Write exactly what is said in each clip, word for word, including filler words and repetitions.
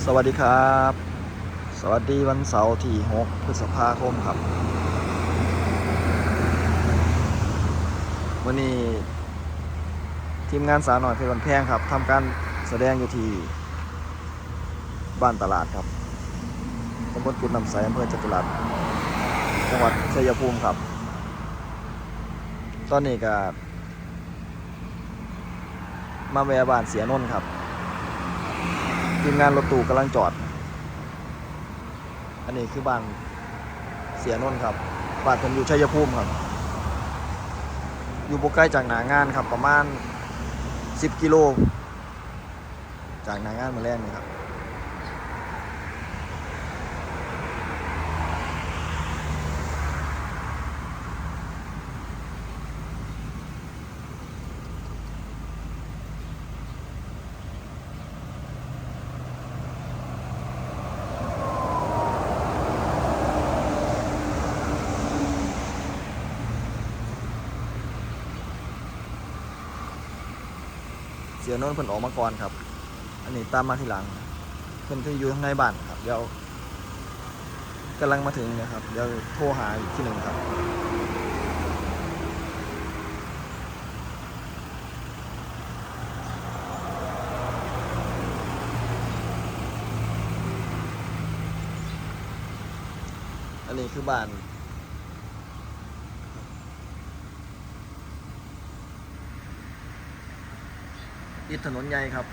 สวัสดีครับสวัสดีวันเสาร์ที่หกพฤษภาคมครับวันนี้ทีมงานสาวหน่อยเพชรวันแพงครับทำการแสดงอยู่ที่บ้านตลาดครับตำบลกุดน้ำใสอำเภอจตุรัสจังหวัดชัยภูมิครับตอนนี้ก็มาแวะบ้านเสียนนท์ครับทีมงานรถตู้กำลังจอดอันนี้คือบ้านเสียนนท์ครับบ้านผมอยู่ชัยภูมิครับอยู่บ่ไกลจากหนางานครับประมาณสิบกิโลจากหนางานมาแรกนี่ครับเสียนนท์เพิ่นออกมาก่อนครับอันนี้ตามมาทีหลังเพิ่นคืออยู่ข้างในบ้านครับเดี๋ยวกำลังมาถึงนะครับเดี๋ยวโทรหาอีกทีหนึ่งครับอันนี้คือบ้านติดถนนใหญ่ครับ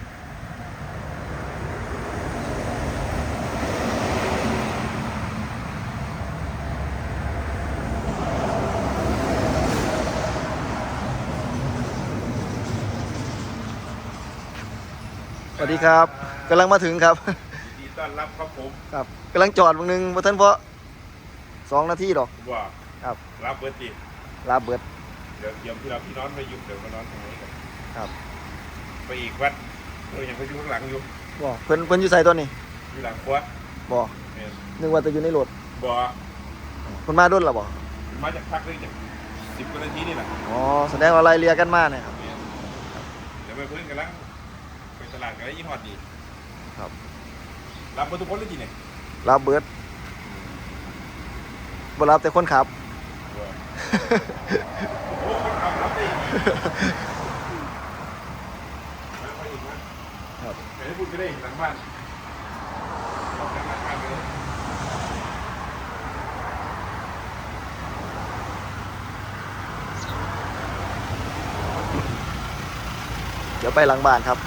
สวัสดีครับกำลังมาถึงครับยินดีต้อนรับครับผมครับกำลังจอดบางนึงบ่ทันเพราะสองนาทีดอกว่าครับรับเบิร์ติลาเบิดเดี๋ยวเดี๋ยวพี่เราพี่น้องไปยุบเดี๋ยวมานอนตรงนี้กันครับไปอีกวัดเออยังไปอยู่ข้างหลังอยู่บ่เพิ่นเพิ่นอยู่ไสตัวนี้อยู่หลังครัวบ่เนี่ยนึกว่าจะอยู่ในรถบ่เพิ่นมาด้นแล้วบ่มาจากพักเลยจากสิบกว่านาทีนี่แหละอ๋อแสดงว่าไล่เลี่ยกันมาเนี่ยครับเดี๋ยวไปเพื่อนกันแล้วไปตลาดกันแล้วยี่ห้อดีครับรับเบอร์ทุกคนเลยจีเนี่ยลาเบิดบ่รับแต่คนขับโอ้คนขับรับได้ดีไปอีกนะครับไปให้พูดก็ได้หลังบ้านออกจากหลังบ้านไปเลยเดี๋ยวไปหลังบ้านครับ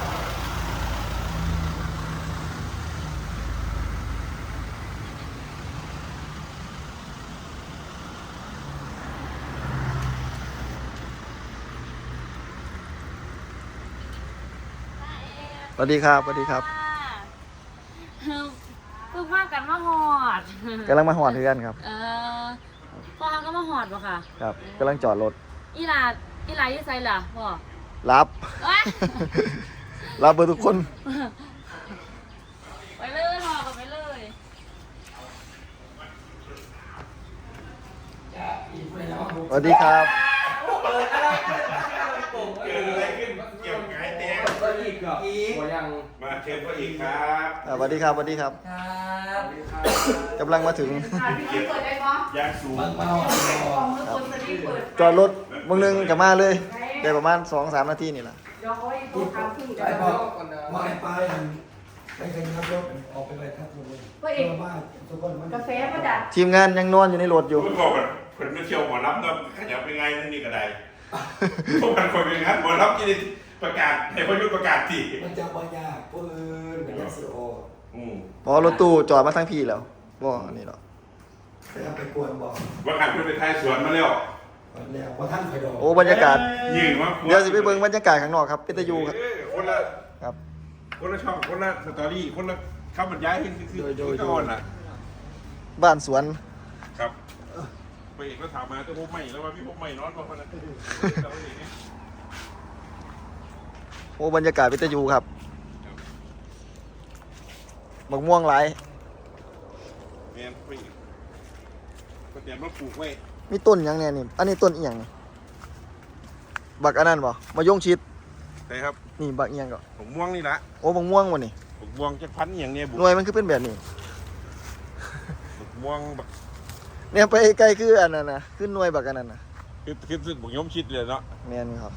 สวัสดีครับสวัสดีครับเพิ่งพากันมาหอดกำลังมาหอดเพื่อนครับเออพ่อก็มาหอดป่ะค่ะครับกำลังจอดรถอีหลาอีหลาอยู่ไสล่ะพ่อรับรับเบอร์ทุกคนไปเลยพ่อก็ไปเลยสวัสดีครับเกิดอะไรขึ้นเกี่ยวไงแดงก็อีกเหรออีกยังมาเชิญพ่ออีกครับสวัสดีครับสวัสดีครับครับกำลังมาถึงยางสูงจอดรถมึงนึงกลับมาเลยได้ประมาณสองสามนาทีนี่แหละไปบอกมาไปไปกันครับรถออกไปไปครับทุกคนเพื่อบ้านทุกคนมันกาแฟมาดัดทีมงานยังนอนอยู่ในรถอยู่คุณบอกเพิ่นไม่เที่ยวหมอรับเนาะขยับเป็นไงนั่นนี่ก็ได้พวกมันคนเป็นงั้นหมอรับที่ประกาศให้พยุทธประกาศที่มันจะบายากปืนมันจะสื่อออกพอรถตู้จอดมาทั้งพี่แล้วบ่อันนี้หรอไปกวนบอกว่าการเพื่อนไปไทยสวนมาแล้วแล้วว่าท่านไปดอกโอ้บรรยากาศยืนว่าเดี๋ยวสิไปเบิ่งบรรยากาศข้างนอกครับเป็นตะยูครับคนละครับคนละช่องคนละสตอรี่คนละคำบรรยายคือคือคือตอนน่ะบ้านสวนครับไปเอกก็ถามมาจะพบใหม่แล้วว่าพี่พบใหม่นอนเพราะคนนั้นโอ้บรรยากาศเป็นตะยูครับบักม่วงหลายแม่ไปก็เตรียมมาปลูกไว้มีต้นยังเนี่ยนี่อันนี้ต้นอีหยังบักอันนั้นบ่มะยงชิดใช่ครับนี่บักอีหยังก็ผมม่วงนี่ละโอ้บักม่วงวะนี่บักม่วงจักพันอย่างเนี้ยบุหน่วยมันคือเป็นแบบนี้บักม่วงบักเนี่ยไปไกลคืออันนั้นนะขึ้นหน่วยบักอันนั้นนะคือคือสึกบักยมชิดเลยเนาะแม่นครับ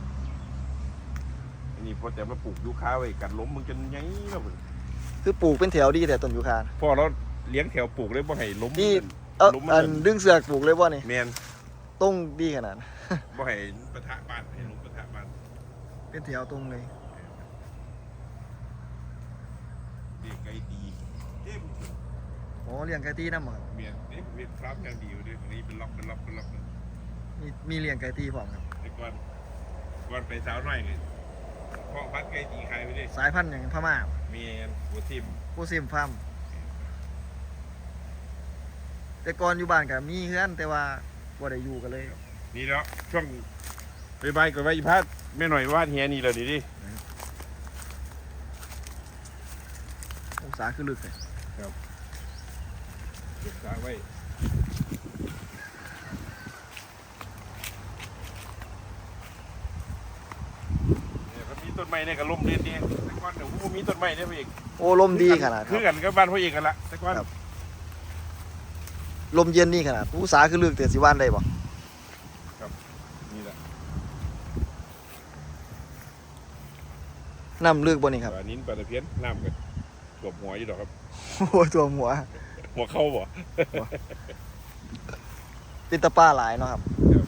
อันนี้พอแต่มาปลูกยูคาไว้กันล้มมึงจนไงแล้วมึงคือปลูกเป็นแถวดีแต่ต้นยูคาพ่อเราเลี้ยงแถวปลูกเลยบ่ให้ล้มที่เอาล้มอันดึงเสือกปลูกเลยบ่นี่แมนต้องดีขนาดนั้นบ่ให้ปะทะบ้านให้ล้มปะทะบ้านเป็นแถวตรงเลยเด็กไก่ดีเอ๊ะโอ้เลี้ยงไก่ตีน้ำบ่ครับเมียนเอ๊ะเมียนครับยังดีอยู่ด้วยตรงนี้เป็นล็อกเป็นล็อกเป็นล็อกเลยมีมีเลี้ยงไก่ตีพร้อมครับไอ้ก่อนก่อนไปสาวน้อยเลยเพาะพัดไก่ตีใครไปดิสายพันธุ์อย่างพม่าเมียนหัวทิมผู้ซิมฟาร์มแต่ก่อนอยู่บ้านก็มีเฮือนแต่ว่าบ่ได้อยู่กันเลยนี่แล้วช่วงไปบายกับไปพัดแม่หน่อยวาดเฮียนี่เลยดิดิองศาคือลึกเลยเก็บสาไว้เนี่ยก็มีต้นไม้เนี่ยก็ล่มเรียนนี่แต่ก่อนเดี๋ยวกูมีต้นไม้เนี่ยพี่เอกโอ้ลมดีขนาดคคือรับกันกับบ้านพ่อเอกกันละแต่ก่อนครับ ลมเย็นนี่ขนาดองศาคือลึกแต่สิว่านได้บ่นี่แหละน้ำลึกบ่นี่ครับปลานิ้นปลาตะเพียนน้ำกันกบหัวอยู่ดอกครับโอ้ตัวหัวหัวเข้าบ่เป็นตะป้าหลายเนาะครับครับ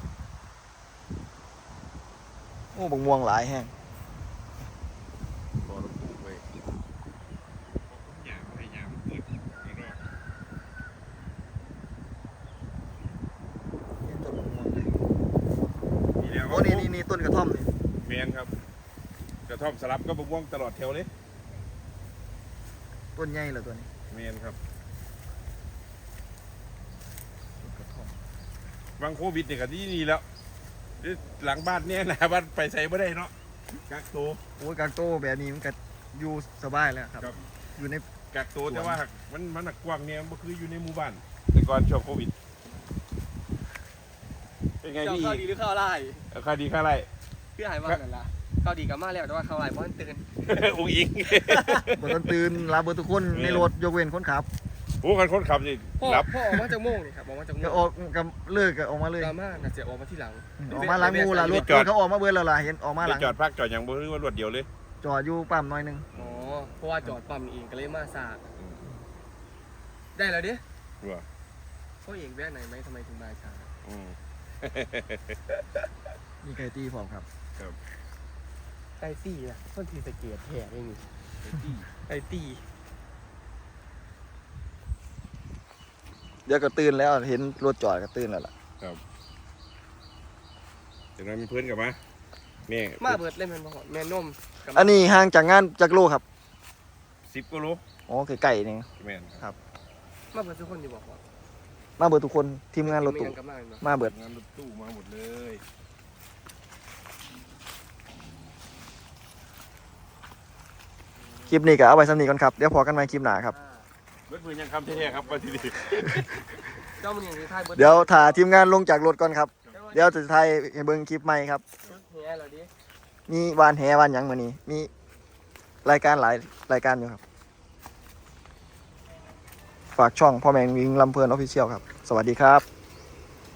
โอ้บักม่วงหลายแห้งพอเราปลูกไว้หยามให้หยามเกิดไม่รอดต้นบักม่วงเลยนี่แล้วโอ้นี่นี่นี่ต้นกระท่อมนี่เมียนครับกระท่อมสลับก็บกม่วงตลอดแถวเลยต้นใหญ่เหรอตัวนี้เมียนครับต้นกระท่อมบางโควิดเนี่ยก็ที่นี่แล้วหลังบ้านเนี่ยนะบ้านไปใส่ไม่ได้เนาะกักตัวโอ้ยกางโต้แบบนี้มันก็อยู่สบายแล้วครับครับอยู่ในกักตัวแต่ว่ามันมันหนักกว้างเนี่ยมันคืออยู่ในหมู่บ้านแต่ก่อนช่วงโควิดเป็นไงเจ้าพี่ข้าวดีหรือข้าวไร่เอาค่าดีค่าไรคือหายว่านั่นล่ะข้าวดีกับมาแล้วแต่ว่าข้าวไร่เพราะมันตื่นอุ้งอิงบนต้นตื่นรับเบอร์ทุกคนในรถยกเว้นคนขับโอ้กันคนขับนี่พ่อรับพ่อออกมาจากโม่งนี่ครับออกมาจากโม่ก็งออกกับเลิกก็ออกมาเลยดราม่าน่ะจะออกมาที่หลังออกมาล้างงูล่ะรถรถเขาออกมาเบิดแล้วล่ะเห็นออกมาหไปลังจอดพักจอดอย่างบ่รู้ว่ารวดเดียวเลยจอดอยู่ปั๊มหน้อยหนึงอ๋อเพราะว่าจอดปั๊มเองก็เลยมาสากได้แล้วดิว่าพ่อเองแวะไหนไหมทำไมถึงมาช้าอืมมีไก่ตีพร้อมครับไอตี้นะต้นทีสะเกียดแห่เองนี่ไอตี้เดี๋ยวก็ตื่นแล้วเห็นรถจอดก็ตื่นแล้วล่ะเดี๋ยวนั้นมีเพื่อนกลับมาแม่มาเบิดเล่นแมนบอลแมนนมกับอันนี้ห่างจากงานจากโลครับสิบกิโลอ๋อไก่ๆนี่แม่นครับมาเบิดทุกคนอยู่บอกว่ามาเบิดทุกคนทีมงานรถตู้มีกับมาเนาะมาเบิดงานรถตู้มาหมดเลยคลิปนี้ก็เอาไว้สำนีก่อนครับเดี๋ยวพอกันใหม่คลิปหน้าครับเบิดมือยังคำแท้ๆครับมาที่นี่เจ้ามันยังคือท้ายเบิดเดี๋ยวถ่าทีมงานลงจากรถก่อนครับเดี๋ยวจะถ่ายให้เบิ่งคลิปใหม่ครับแห่เราดิมีวานแหวานหยังมื้อนี้มีรายการหลายรายการอยู่ครับ ฝากช่องพ่อแมงวิงลำเพลินออฟฟิเชียลครับ สวัสดีครับ